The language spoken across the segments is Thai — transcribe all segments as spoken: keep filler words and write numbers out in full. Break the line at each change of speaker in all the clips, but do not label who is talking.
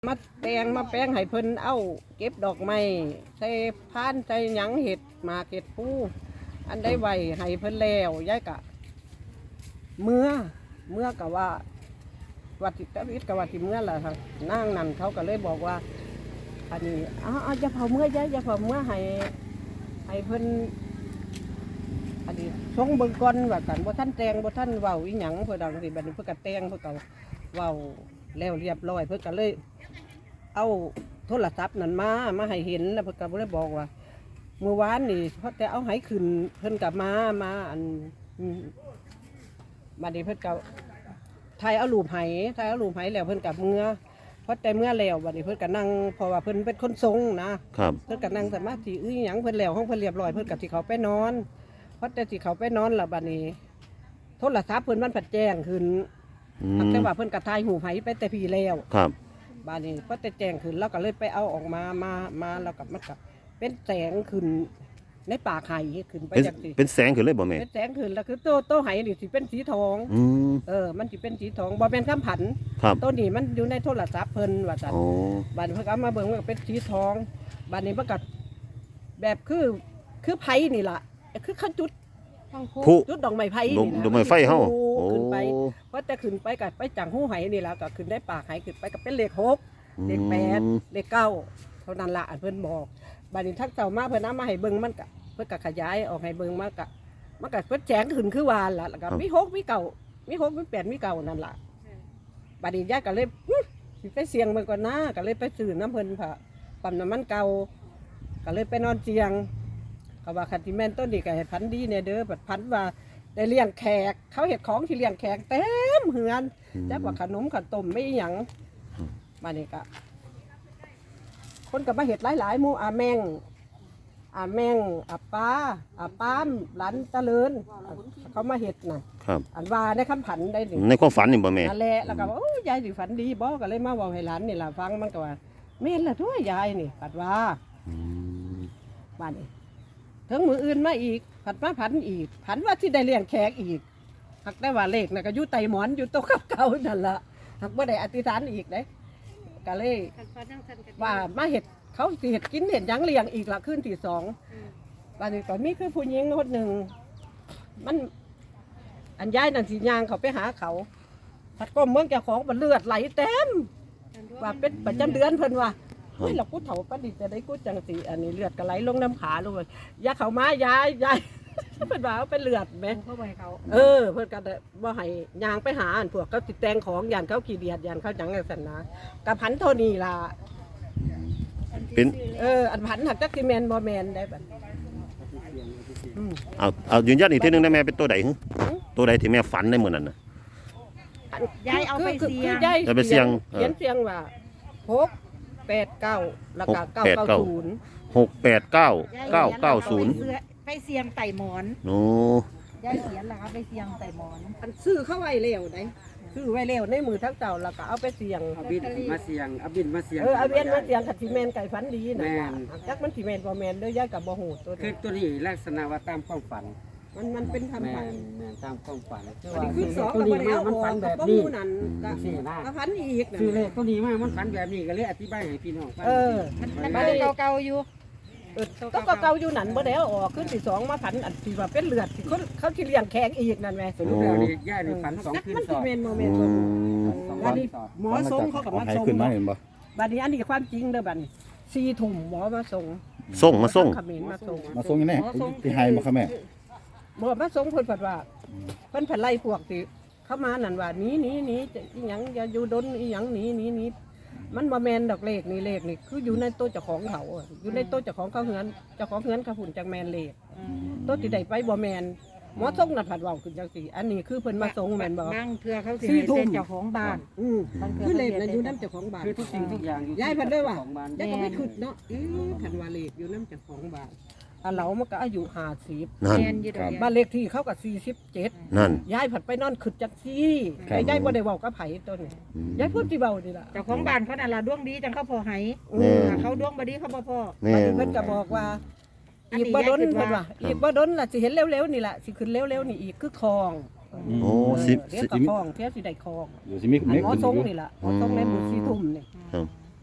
มาแต่งมาแป้งให้เพิ่นเอาเก็บดอกไม้ใส่พานใส่หยังเห็ดหมากเห็ดปูอันได้ไว้ให้เพิ่นแล้วยายกะเมื่อเมื่อกะว่าวัดติตวิทย์กะว่าที่เมื่อล่ะทางนั่งนั่นเขาก็เลยบอกว่าอันนี้อ้าวจะเผาเมื่อยายจะเผาเมื่อให้ให้เพิ่นอันนี้ชงเบิ่งก่อนว่ากันบ่ท่านแต่งบ่ท่านเว้าอีหยังเพิ่นดังสิบัดนี้เพิ่นก็แต่งเพิ่นก็เว้าแล้วเรียบร้อยเพิ่นก็เลยเอาโทรศัพท์นั่นมามาให้เห็นแล้วเพิ่นก็เลยบอกว่าเมื่อวานนี่เพราะแต่เอาให้ขึ้นเพิ่นก็มามาอันบัดนี้เพิ่นก็ถ่ายเอารูปให้ถ่ายเอารูปให้แล้วเพิ่นก็เมื่อเพราะแต่เมื่อแล้วบัดนี้เพิ่นก็นั่งเพราะว่าเพิ่นเป็นคนทรงนะครับเพิ่นก็นั่งสมาธิอื้อหยังเพิ่นแล้วของเพิ่นเรียบร้อยเพิ่นก็สิเข้าไปนอนเพราะแต่สิเข้าไปนอนแล้วบัดนี้โทรศัพท์เพิ่นมันผัดแจ้งขึ้นแต่ว่าเพิ่นก็ถ่ายรูปให้ไปแต่พี่แล้ว
ครับ
บ้านนี้พอแต่แจ้งขึ้นแล้วก็เลยไปเอาออกมามามาแล้วก็มันก็เป็นแสงขึ้นในป่าไข่ขึ้นไปจากสิ
เป็นแสงขึ้นเลยบ่แม่
เป็นแสงขึ้นแล้วคือโตโตไห้นี่สิเป็นสีทอง
อืม
เออมันสิเป็นสีทองบ่แม่นคำผัน
ครับ
ตัวนี้มันอยู่ในโทรศัพท์เพิ่นว่าซั่น
อ๋อ
บ้านนี้เพิ่นเอามาเบิ่งมันก็เป็นสีทองบ้านนี้มันก็แบบคือคือไผนี่ล่ะคือเขาจุด
ผู้
จุดดอกไม้ไผ่
นี่ดอกไม้ไฟเฮา
ขึ้นไปเพราะแต่ขึ้นไปก็ไปจังหู้ไห้นี่ล่ะก็ขึ้นได้ป่าไห้ขึ้นไปก็เป็นเลขหกเลขแปดเลขเก้าเท่านั้นละอันเพิ่นบอกบัดนี้ทักเจ้ามาเพิ่นเอามาให้เบิ่งมันก็เพิ่นก็ขยายออกให้เบิ่งมันก็มันก็เพิ่นแจ้งขึ้นคือวานล่ะแล้วก็มีหกมีเก้ามีหกมีแปดมีเก้านั่นล่ะบัดนี้ยายก็เลยสิไปเสี่ยงเบิ่งก่อนนะก็เลยไปซื้อน้ำเพิ่นพะปั๊มน้ำมันเก่าก็เลยไปนอนเตียงก็ว่าคันที่แม่นต้นนี่ก็ให้พันดีแน่เด้อบัดพันว่าได้เลี้ยงแขกเขาเฮ็ดของที่เลี้ยงแขกเต็มเฮือนจักว่าขนมขนมไม่หยังบัดนี้ก็คนกับมาเห็ดหลายๆหมู่อาแมงอาแมงอาป้าอาป้ามหลานเจริญเขามาเห็ดน่ะอันว่าในคำผันได้หนึ่ง
ในความฝันนี่บ่แม่
นั่นแหละแล้วก็ว่าโอ้ยายสิฝันดีบ่ก็เลยมาบอกให้หลานนี่ล่ะฟังมันก็ว่าแม่นล่ะด้วยยายนี่ปัดว่าบ้านนี้ถึงมืออื่นมาอีกผัดมาผันอีกผันว่าที่ได้เลี้ยงแขกอีกหักได้ว่าเลขน่ะก็อยู่ไตหมอนอยู่โต๊ะเก่าๆนั่นล่ะหักบ่ได้อธิษฐานอีกเด้ก็เลยว่ามาเห็ดเขาสิเห็ดกินเห็ดยังเลี้ยงอีกละขึ้นที่สองวันนี้ตอนนี้คือผู้หญิงคนหนึ่งมันอันย้ายนั่นสียางเขาไปหาเขาผัดก้มเมืองแกของมันเลือดไหลเต็มว่าเป็นประจำเดือนเพิ่นว่าเฮ้ยเรากูเถาปดิจะได้กูจังสีอันนี้เลือดก็ไหลลงน้ำขาลงเลยยาเขามายายยายเพิ่นว่าเป็นเลือดไหมเออเพิ่นก็บ่ให้ยางไปหาอันพวกเขาติดแตงของยานเขาขี้เดียดยานเขาจังไงสันนะกับพันโทนี่ล่ะ
เป็น
เอออันพันหักจักซีเมนบอแมนได้แบบ
เอาเอายืนยันอีกทีนึงได้แม่เป็นตัวใดฮึตัวใดที่แม่ฝันในมื้อนั้นน่ะ
ยายเอาไปเสียงยาย
ไปเสียง
เขียนเสียงว่าหกแปดเก้าแล้วก็เก้าเก้าศูนย์
หกแปดเก้าเก้าเก้าศูนย์
ไปเสียงไต่หมอน
โอ้
ยายเขียนล่ะครับไปเสียงไต่หมอน
อันซื้อเข้าไว้เร็วได้ซื้อไว้เร็วในมือทั้งเจ้าแล้วก็เอาไปเสียง
เอาบินมาเสียงเอาบินมาเสียง
เออเอาบินมาเสียงขัดซีเมนไก่ฝันดีนะจักมันซีเมนบอแมนด้วยยายกับบ่หูตัว
คือตัวนี้ลักษณะว่าตามความฝัน
มันมันเป็นทำฝัน
ตามความฝัน
คือสองตัวนี้มามันฝันแบบนี้นั่นก็ฝันอีก
คือเลขตัวนี้มามันฝันแบบนี้ก็เลยอธิบายให้พี่น้องฟัง
เออ
มันเก่าๆอยู่
ต้องก็เก่าอยู่นั่นบ่ได้ออกขึ้นที่สองมาฝันอันที่ว่าเป็นเลือดที่เขาเขาที่เลี้ยงแขกอีกนั่นแหละ
สรุปแล้วนี่ย่านี่ฝันสองคืนสอง
มันซีเมนโมเมนต์วันนี้หมอส่งเขากับมาส่งบัดนี้อันนี้ความจริงเด้อบัดนี้สี่ถุ่มหมอมาส่ง
ส่งมาส่ง
มาส่ง
มาส่งยังไงที่ไฮมาค่ะแม่
บ่มาส่งเพิ่นผัดว่าเพิ่นผัดไล่พวกที่เข้ามานั่นว่านี้นี้นี้อีหยังอย่าอยู่ดนอีหยังหนีหนีหนีมันบ่แม่นดอกเลขนี่เลขนี่คืออยู่ในโต๊ะเจ้าของเขาอยู่ในโต๊ะเจ้าของเขาเฮือนเจ้าของเฮือนเขาหุ่นจังแมนเลขโต๊ะที่ใดไปบ่แม่นหมอส่งน่ะผัดเว้าขึ้นจังซี่อันนี้คือเพิ่นมาส่งแม่นบ่
บางเทื่อเขาสิให้เป็นเจ้าของบ้าน
อือคือเลขน่ะอยู่นำเจ้าของบ้าน
คือทุกสิ่งทุกอย่างอยู่
ยายเพิ่นด้วยว่ายายก็ไม่คิดเนาะเอ๊ะคันว่าเลขอยู่นำเจ้าของบ้านอันเหลามันก็อายุห้าสิบ
นั่น
บ้านเลขที่เขาก็สี่สิบเจ็ด
นั่น
ยายผัดไปนอนขึ้นจังซี่ยายบ่ได้เว้ากับไผตัวนี้ยายพูดที่เว้านี่ล่ะ
เจ้าของบ้านเขาน่ะล่ะดวงดีจังเขาพอให้เขาดวงบ่ดีเขาบ่พอ
เพิ่นก็บอกว่าอีกบ่ดนเพิ่นว่าอีกบ่ดนล่ะสิเห็นเร็วๆนี่ล่ะสิขึ้นเร็วๆนี่อีกคือคลอง
โอ้สิ
เดี๋ยวก็คลองเที่ยสิได้คลอง
อยู่สิมี
หมอทรงนี่ล่ะหมอทรงในหมู่สีทุ่มนี่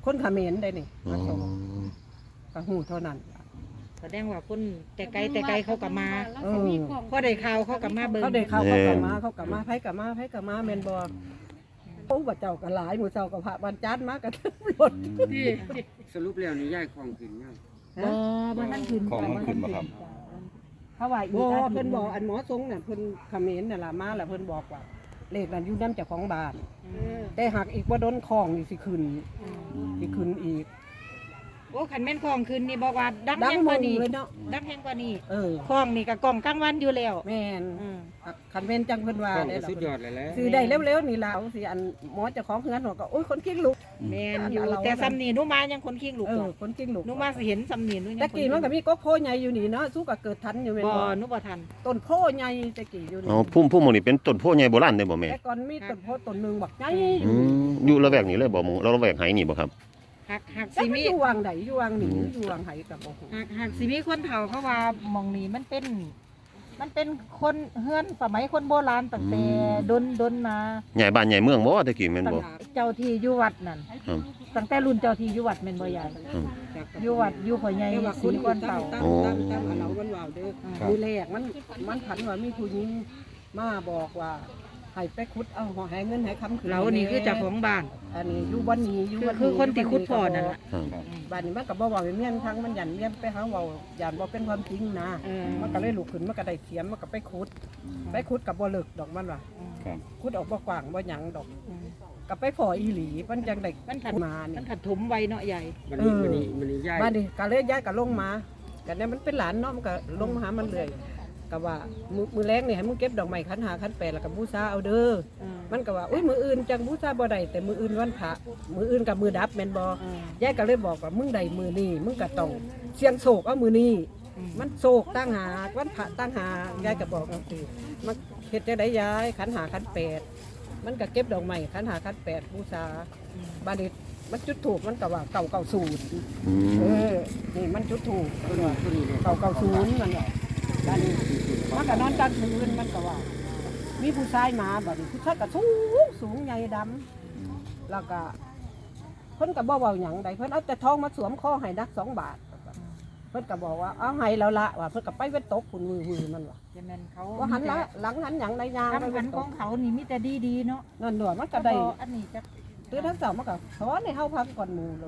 คนเขมรได้นี่
อ๋อ
มาส่งก็ฮู้เท่านั้น
แสดงว่าคนแต่ไกลแต่ไกลเขากลับมา
เออ
พอได้ข่าวเขากลับมาเบิ่ง
เขาได้เข้าเขากลับมาเขากลับมาไผกลับมาไผกลับมาแม่นบ่โอ้บ่เจ้าก็หลายหมู่เจ้าก็พระบรรจันทร์มากันทั้งรถ
สรุปแล้วนี่ย้ายของขึ้นยัง
บ่บ่ทันขึ้น
ของมันขึ้นมาครับ
เพราะว่าอี
บ่
กอาทิตย์
เพิ่นบอกอันหมอทรงน่ะเพิ่นเขมรน่ะล่ะมาแล้วเพิ่นบอกว่าเลขนั้นอยู่นำเจ้าของบ้าน แต่หากอีกบ่โดนของนี่สิขึ้นสิขึ้นอีก
โอ้ขันแม่นคลองขึ้นนี่บอกว่าดัง
ดัง
แห้ง
ม
กว่าง นี้
เลยเนาะ
ดังแห้งกว่านี้
เออ
คลองนี่ก็กล่องกลางวันอยู่แล้ว
แม่น
อืม
คันแม่นจังเพิ่นว่า
ของ
ได้
ก็
ล่ะ
สุดยอดเลยแหละ
ซื้อได้เร็วๆนี่ล่ะเอาสิอันหมอเจ้าของเฮือนก็โอ้ยคนกิ้งลูก
แม่นอยู่
เรา
แต่ซ้ำนี่หนูมายังคนขี้ลูก
เอ
ก่
อ
อน
คนกิ้งลูก
หนูมาสิเห็นซ้ำนี่หนูยัง
ตะกี้มันก็มีกกโพใหญ่อยู่นี่เนาะสู้ก็เกิดทันอยู่แม่น
บ่
บ่
หนูบ่ทัน
ต้นโพใหญ่ตะกี้อยู่นี่
อ๋อพุ่มพุ่มหมองนี่เป็นต้นโพใหญ่โบราณเด้บ่แม่
แต่ก่อนมีต้นโพต้นหนึงบักใหญ่
อืมอยู่ละแวกนี้เลยบ่หมู่เราละแวกไหนี่บ่ครับ
หักหัก
แต่
สิ
มัน
มี
อยู่วางใดอยู่วางนี่อยู่วางไหกับบ่ฮู้
หักหักสิมีคนเฒ่าเขาว่าหมองนี้มันเป็น มันเป็นคนเฮือนสมัยคนโบราณตั้งแต่ดนดนมา
ใหญ่บ้านใหญ่เมืองบ่ตะกี้แม่น
ตั้ง
บ่
เจ้าที่อยู่วัดนั่น
ครับ
ตั้งแต่รุ่นเจ้าที่อยู่วัดแม่นบ่ใหญ่
อืม
อยู่วัดอยู่พ่อใหญ่
แต่ว่าค
สี
น
ก้อนเต่า
ตั้งตั้งตั้งอันเรามันว่าวเด้อ
ครับ
มือแรกมันมันผันว่ามีผู้หญิงมาบอกว่าให้ไปขุดเอาหอให้เงินให้คำคืน
เรานี่คือเจ้าของบ้าน
อันนี้อยู่บ้านนี้อยู่
คือ
บ้าน
คือคนที่ขุดพ่อนั่นล่ะ
ครับ
บ้านนี้มันก็บ่เว้าเมียนทั้งมันยันเมียนไปหาเว้ายันบ่เป็นความจริงนะ
เออ
มันก็เลยลุกขึ้นมันก็ได้เขียมมันก็ไปขุด ไปขุดกับบ่เลิกดอกมันว่า
ครับ
ขุดออกบ่กว้างบ่หยังดอกก็ไปพออีหลีมันจังได้
มันถัด
มานี่
มันถัดถมไวเนาะใหญ่
มันนี่มันนี่มันนี่ย้าย
บ้านนี้ก็เลยย้ายก็ลงมาก็เนี่ยมันเป็นหลานเนาะมันก็ลงมาหามันเลยก็ว่ามือมือแรกนี่ให้มึงเก็บดอกไม้คันหาคันแปดแล้วก็บูชาเอาเด้อ มันก็ว่าอุ้ยมืออื่นจังบูชาบ่ได้แต่มืออื่นวันพระมืออื่นกับมือดับแม่นบ่ยายก็เลยบอกว่ามึงได้มือนี้มึงก็ต้องเสียงโศกเอามือนี้มันโศกตั้งหาวันพระตั้งหายายก็บอกจังซี่มันเฮ็ดจังได๋ยายขันหาขันแปดมันก็เก็บดอกไม้ขันหาขันแปดบูชาบัดนี้มันจุดถูกมันก็ว่าเก่าเก่าศูนย์
อื
เอ
ม
อนี่มันจุดถูก
ตัวนี้ตัวนี้เนี่ย
เก่าเก่าศูนย์มันว่าบัดนี้มันก็นอนกลางคืนมันก็ว่า มีผู้ชายมาบัดนี้ผู้ชายก็สูงสูงใหญ่ดำแล้วก็เพิ่นก็บ่เว้าหยังใดเพิ่นเอาแต่ทองมาสวมคอให้นักสองบาท เพิ่นก็บอกว่าเอาให้แล้วละว่าเพิ่นก็ไปเว้นตกพุ่นมือๆมันว่า
จะแม่นเขา
ว่าหันละหลังหันหยังในยาง
ทำ
ไป
หั
เว้
น
น
ข
ต
อก งเขานี่มีแต่ดีๆเนาะ
นั่นด้วยมันก็ได้
บ่อันนี้จะ
ตื่นทั้งเสาร์มันก็สอนให้เฮาพักก่อนหมู่เลย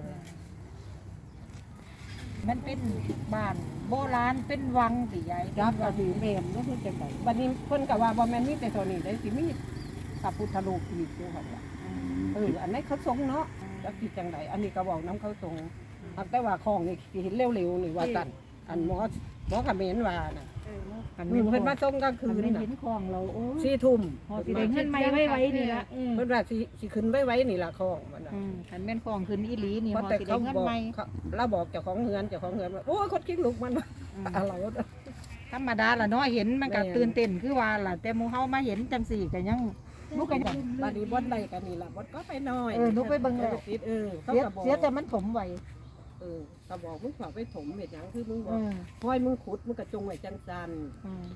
มันเป็นบ้านโบราณเป็นวังสิยาย
รับก็ดีแม่นบ่คือจังไดบัดนี้เพิ่นก็ว่าบ่แม่นมีแต่เท่านี้ได้สิมีพระพุทธรูปอีกอยู่ครับว่าเอออันนี้เขาทรงเนาะจักสิจังไดอันนี้ก็เว้านํเขาทรงหากแต่ว่าของนี่สิเห็นเร็วๆนี่ว่าซั่นอันหมอหมอเขมรว่าน่ะ
คัน
มี
แม่น
เพิ่นมาส่งกลางคื
คื
น
น
น่ะ
เห็นของเราโอ้ย
สี่ทุ่ม
พอสิได้เงินใหม่ไว้ๆนี่ละอืม
เพิ่นว่าสิสิขึ้นไว้ๆนี่ล่ะของมันน่ะ
อืมคันแม่นของขึ้นอีหลีนี่
เพ
พ
ราะ
อ
แต่
สิได้
เขา
เงิน
บอก
ใหม่
เขาเราบอกเจ้าของเฮือนเจ้าของเฮือนว่าโอ้ยคนกิ้งลูกมันว่า
อืม
อะไรวะ
ธรรมดาล่ะเนาะเห็นมันก็
แม่น
ตื่นเต้นคือว่าล่ะแต่หมู่เฮามาเห็นจังสี่ก็ยังลูกก็ยัง
บาดนีบอนใดกันนี่ล่ะบอนก็ไปหน่อย
เออหนูไปเบิ่งแล้ว
ติดเออเขา
เสีย
ก็บอก
เสียแต่มันถมไว้
เออเขาบอกมึงฝากไปถมเห็ดหยังคือมึงบ
เอ
อก
อ
ห้อยมึงขุดมึงกระจงไว้จังซัน
อืม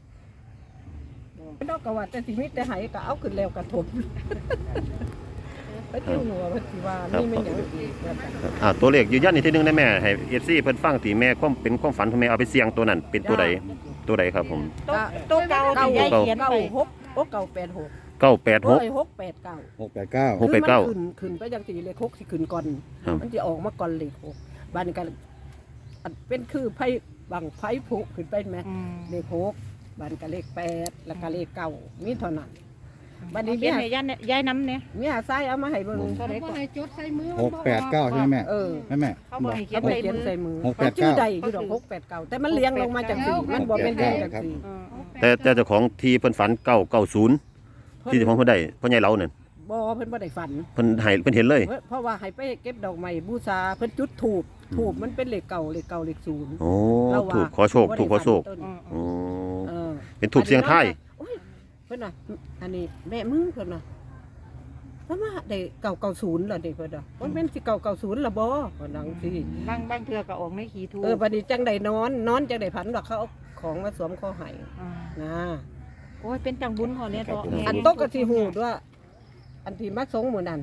ไม่ต้องกว่าแต่สิมิตแต่ไหายก็เอาขึ้นแล้วกระถมไปเที่ยวหนัวพันธิวานี่ไม่นหยังอีกว่าซั่น
อ่าตัวเลขยืนยันอีกทีหนึงได้แม่ให้ เอฟ ซี เพิ่นฟังที่แม่ความเป็นความฝันของแม่เอาไปเสี่ยงตัวนั้นเป็นตัวใดตัวใดครับผม
โต๊ะโต๊ะเก่าที่ยายเขียน
เก้า
ไป
หกโอ้เก้าแปดหก
เก้าแปดหก
โอ้ยหกแปดเก้า
หกแปดเก้า
หกแปดเก้า
คือมันขึ้นขึ้นไปจังสีเลขหกสิขึ้นก่อน
ครับ
มันจะออกมาก่อนเลขหกบ้านนี้ก็อันเป็นคือไพ่บังไพ่ผุขึ้นไปไหม
อืม
เลขหกบ้านก็เลขแปดแล้วก็เลขเก้ามีเท่านั้น บัดนี้
เขียนให้ยายเนี่ยยายน้ำเนี่ย
มีหาไส้เอามาให้เบิ่ง
เท่าไหร่
บ่
ก่อน
ให้จดใส่มือ
หกแปดเก้าใช่ไหมแม่
เออ
แม่แม่
เขาบอกให้เขีย
เขา
น
ไป
ใส่
เขียน
มือ
ใส่มือ
หกแปด
ชื่อ
เก้า
ใดอยู่ดอกหกแปดเก้าแต่มันเลี้ยงลงมาจากสีมันบ่เป็นเลี้ยงจากสี
เออ
แต่แต่เจ้าของที่เพิ่นฝันเก้าเก้าศูนย์ที่เจ้าของเพิ่นได้พ่อใหญ่เรานั่น
บ่เพิ่นบ่ได้ฝัน
เพิ่นให้เพิ่นเห็นเลย
เพราะว่าให้ไปเก็บดอกไม้บูชาเพิ่นจุดธูปธูปมันเป็นเลขเก่าเลขเก่าเลขศูนย์
โอ้
เราว่า
ถูกขอโชคถูกขอโชค
บ่ได้ฝันต้น
อืม
โอ้
เออ
เป็นถูกเสียงไทาย
โอ้ยเพิ่นน่ะอันนี้แม่มึงเพิ่นน่ะเพราะว่าได้เก่าเก่าศูนย์ล่ะเด็กเพิ่นน่ะมันเป็นสิเก่าเก่าศูนย์ล่ะบ่เพิ่นนังสิ
บางบางเทือก็ออกในขีทู
เออบัดนี้จังได้นอนนอนจังได้ผันว่าเขาเอาของมาสวมคอให้
า
นะ
โอ้ยเป็นจังบุญพอเนี่ยตัว
อันโต๊ะก็สิฮู้ด้วยอันที่มาสงหมู่นั้น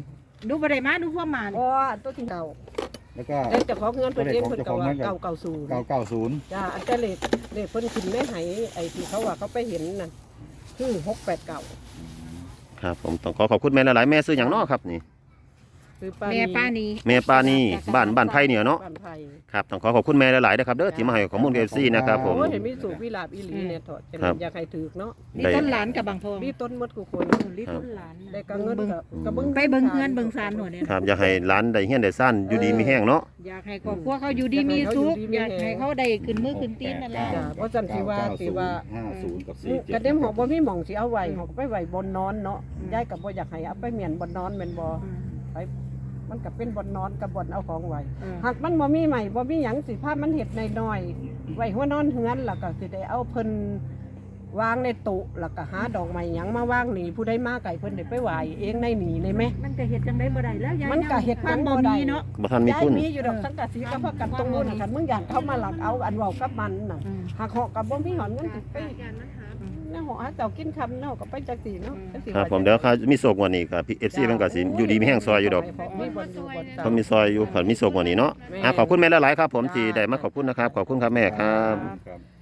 ดูบ่ได้มาดูพวกมา
อ๋อตัวที่เก่า
แล้วก็
แต่เจ้าของเงินเพิ่นเองเพิ่นก็ว่า
เจ้า
เก่า
ของเงิน
เก่าศูนย์
เก้าเก้าศูนย์
จ้าอันแต่เลขเลขเพิ่นขึ้นไม่ไหไอ้ที่เขาว่าเขาไปเห็นน่ะคือหกแปดเก้า
ครับผมต้องขอขอบคุณแม่หลายๆแม่ซื้อหยังเนาะครับนี่
คือป้า
แม่ป้า
นี
นี้
แม่ปานีบ้านบ้านไผ่เนี่ยเนาะ
บ้านไผ่
ครับต้องขอขอบคุณแม่หลายๆนะครับเด้อที่มาให้ข้อมูล เอฟ ซี นะครับผม
โอ้ยเห็นมีสูบวิลาบอีหลีเนี่ยถอดจะ
ครับ
อยากให้ถือเนาะ
นี่
ได้
ต้นหลานกับบางทอง
มีต้นมดกูคน
ลิต้นหลาน
ได้ก็เงิน
เบิ่ง
ก็ก็เบิ่ง
ไปเบิ่งเฮือนเบิ่งซานหน่อยเนี่ย
ครับอยากให้ร้านได้เฮียนได้ซ่านอยู่ดีมีแห้งเนาะ
อยากให้ครอบครัวเขาอยู่ดีมีสุขอยากให้เขาได้ขึ้นมือขึ้นตีนนั่นแหละ
จ้ะเพราะจันสิว่าสิว่า
ห้าศูนย์กับสี่เจ็ด
กระเด็มหอกบ่มีหม่องสิเอาไว้หอกไปไว้บนนอนเนาะยายก็บ่อยากให้เอาไปเหมียนบนนอนแม่นบ่ไปมันก็เป็นบนนอนกับบนเอาของไว้ หากมันบ่มีใหม่บ่มีหยังสิภาพมันเฮ็ดน้อยๆไว้หัวนอนเฮือนแล้วก็สิได้เอาเพิ่นวางในตุแล้วก็หาดอกไม้หยังมาวางนี่ผู้ใดมาไก่เพิ่นได้ไปไหว้เองในหนีในแม่
มันก็เฮ็ดจังได๋บ่ได้แล้วยาย
มันก็เฮ็ด
มั
จั
น
ง
บ่
บ่ได้
มีเนาะ
บ่ทันมี
ยาย
ทุน
มีอยู่ดอกสังกะสีก็พากันตรงนู้นคันมึงอยากเข้ามาหลักเอาอันเว้ากับมันน่ะหากเหาะกับบ่มีหอนเงินสิไปน่าเหาะหาเจ้ากินคำเนาะก็ไปจักสีเนาะจักสิ
ครับผมเดี๋ยวเขามีโศกวันนี้ครับ เอฟ ซี มันก็สิอยู่ดีมีแห้งซอยอยู่ดอก
มีบ่อนอยู่บ่อน
เขามีซอยอยู่เขามีโศกวันนี้เนาะอ่ะขอบคุณแม่หลายๆครับผมที่ได้มาขอบคุณนะครับขอบคุณครับแม่ครับ
ครับ